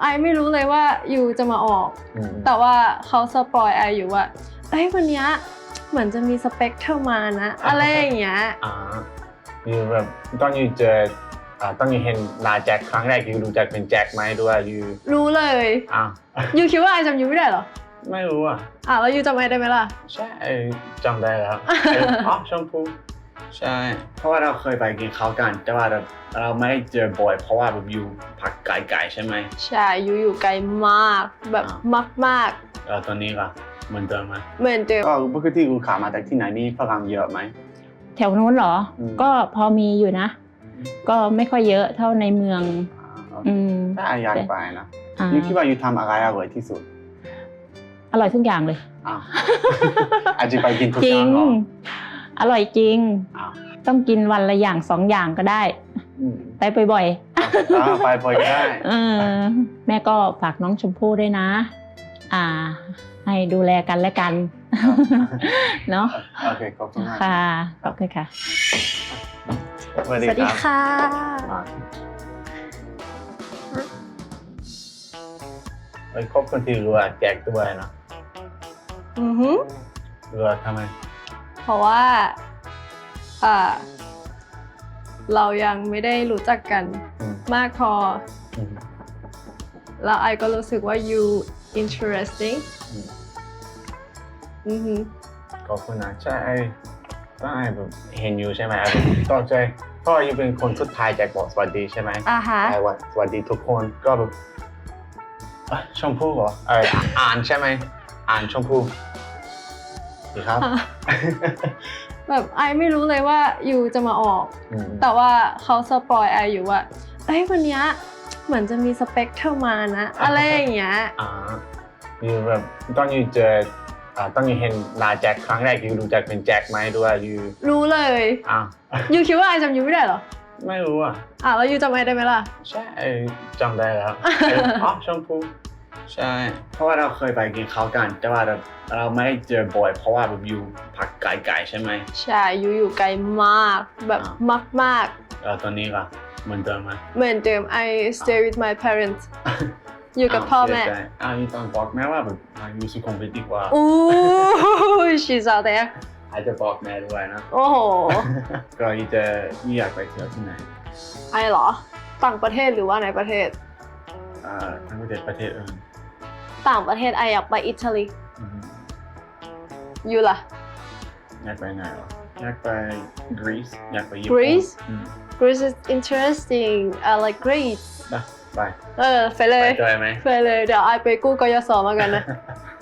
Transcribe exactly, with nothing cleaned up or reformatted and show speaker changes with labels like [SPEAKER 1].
[SPEAKER 1] ไอไม่รู้เลยว่ายูจะมาออกแต่ว่าเขาสปอยไออยู่ว่าเอ้ยวันนี้เหมือนจะมีสเปคเธอมานะอะไรอย่างเงี้ย
[SPEAKER 2] อ่ายูแบบตอนยูเจออ่าตอนยูเห็นลาแจ็คครั้งแรกยูรู้จักเป็นแจ็คไหมด้วยยู
[SPEAKER 1] รู้เลย
[SPEAKER 2] อ้าว
[SPEAKER 1] ยูคิดว่าไอจำยูไม่ได้เหรอ
[SPEAKER 2] ไม่รู้อ่ะ
[SPEAKER 1] อ่ะแล้วยูจำไอได้ไหมล่ะ
[SPEAKER 2] ใช่จำได้แล้วอ๋อชมพูใช่เพราะว่าเราเคยไปกินข้าวกันแต่ว่าเราเราไม่ได้เจอบ่อยเพราะว่าแบบอยู่พักไกลๆใช่ไหม
[SPEAKER 1] ใช่ยูอยู่ไกลมากแบบมาก
[SPEAKER 2] ๆแล้วตอนนี้ก็เหมือนเดิมไหม
[SPEAKER 1] เหมือนเดิม
[SPEAKER 2] ก็ปกติกูขามาจากที่ไหนมีฝรั่งเยอะไหม
[SPEAKER 3] แถวนู้นเหรอก็พอมีอยู่นะก็ไม่ค่อยเยอะเท่าในเมือง
[SPEAKER 2] อืมถ้าอยากไปนะยูคิดว่ายูทำอะไรอร่อยที่สุด
[SPEAKER 3] อร่อยทุกอย่างเลย
[SPEAKER 2] อ้าวอาจจะไปกินทุกอย่างหรอ
[SPEAKER 3] อร่อยจริงต้องกินวันละอย่างสองอย่างก็ได้ไปบ่อย
[SPEAKER 2] ๆไปบ่อยก็ได้
[SPEAKER 3] แม่ก็ฝากน้องชมพู่ด้วยนะอ่าให้ดูแลกันและกันเนาะ
[SPEAKER 2] โอเคขอบคุณมาก
[SPEAKER 3] ค่ะขอบคุณค่ะ
[SPEAKER 1] สวัสดีค่ะ
[SPEAKER 2] ไอ้ครบคนที่รู้ว่าแจกด้วยนะ
[SPEAKER 1] อือฮึ
[SPEAKER 2] รู้ว่าทำไม
[SPEAKER 1] เพราะว่าอ่าเรายังไม่ได้รู้จักกันมากพอแล้วไอก็รู้สึกว่า you interesting อือฮึ
[SPEAKER 2] ขอบคุณนะใช่ก็ไอแบบเห็นอยู่ใช่ไหมตกใจเพราะอยู่เป็นคนสุดท้ายแจกบอกสวัสดีใช่ไหม
[SPEAKER 1] อ่าฮะ
[SPEAKER 2] ไอว่าสวัสดีทุกคนก็แบบชมพู่เหรอเอออ่านใช่ไหมอ่านชมพู่ดีครับ
[SPEAKER 1] แบบไอไม่รู้เลยว่ายูจะมาออกแต่ว่าเขาสปอยไออยู่ว่าเอ้ยวันนี้เหมือนจะมีสเปคเธอมานะอะไรอย่างเงี้ย
[SPEAKER 2] อ่ายูแบบตอนยูเจออ่าตอนยูเห็นลาแจ็คครั้งแรกยูรู้จักเป็นแจ็คไหมด้วยยู
[SPEAKER 1] รู้เลย
[SPEAKER 2] อ้าว
[SPEAKER 1] ยูคิดว่าไอจำยูไม่ได้เหรอ
[SPEAKER 2] ไม่รู้อ่ะ
[SPEAKER 1] อ่ะแล้วยูจำไอได้ไหมล่ะ
[SPEAKER 2] ใช่จำได้แล้วอ๋อชมพูใช่เพราะว่าเราเคยไปกินข้าวกันแต่ว่าเราเราไม่ได้เจอบ่อยเพราะว่าแบบอยู่พักไกลๆใช่ไหม
[SPEAKER 1] ใช่ยูอยู่ไกลมากแบบมาก
[SPEAKER 2] ๆแล้วตอนนี้ก็เหมือนเดิมไหม
[SPEAKER 1] เหมือนเดิม I stay with my parents อยู่กับพ่อแม่
[SPEAKER 2] อ้าวนี่ต้องบอกแม่ว่าแบบอยู่สุขุมวิทดีกว่า
[SPEAKER 1] อู้ she's out there
[SPEAKER 2] อาจจะบอกแม่ด้วยนะ
[SPEAKER 1] โอ้โห
[SPEAKER 2] ก็จะอยากไปเที่ยวที่ไหน
[SPEAKER 1] ไอเหรอต่างประเทศหรือว่าในประเทศ
[SPEAKER 2] อ่าทั้งประเทศประเทศอื่น
[SPEAKER 1] ต่างประเทศไออยากไปอิตาลีอยู่ล่ะ
[SPEAKER 2] อยากไปไหนหรออยากไปกรีซอยากไปญี่ปุ่น
[SPEAKER 1] Greece Greece is interesting I like Greece
[SPEAKER 2] นะไป
[SPEAKER 1] เออไปเลย
[SPEAKER 2] ไปด้วยไหม
[SPEAKER 1] ไปเลยเดี๋ยวไอไปกู้กยศมากันนะ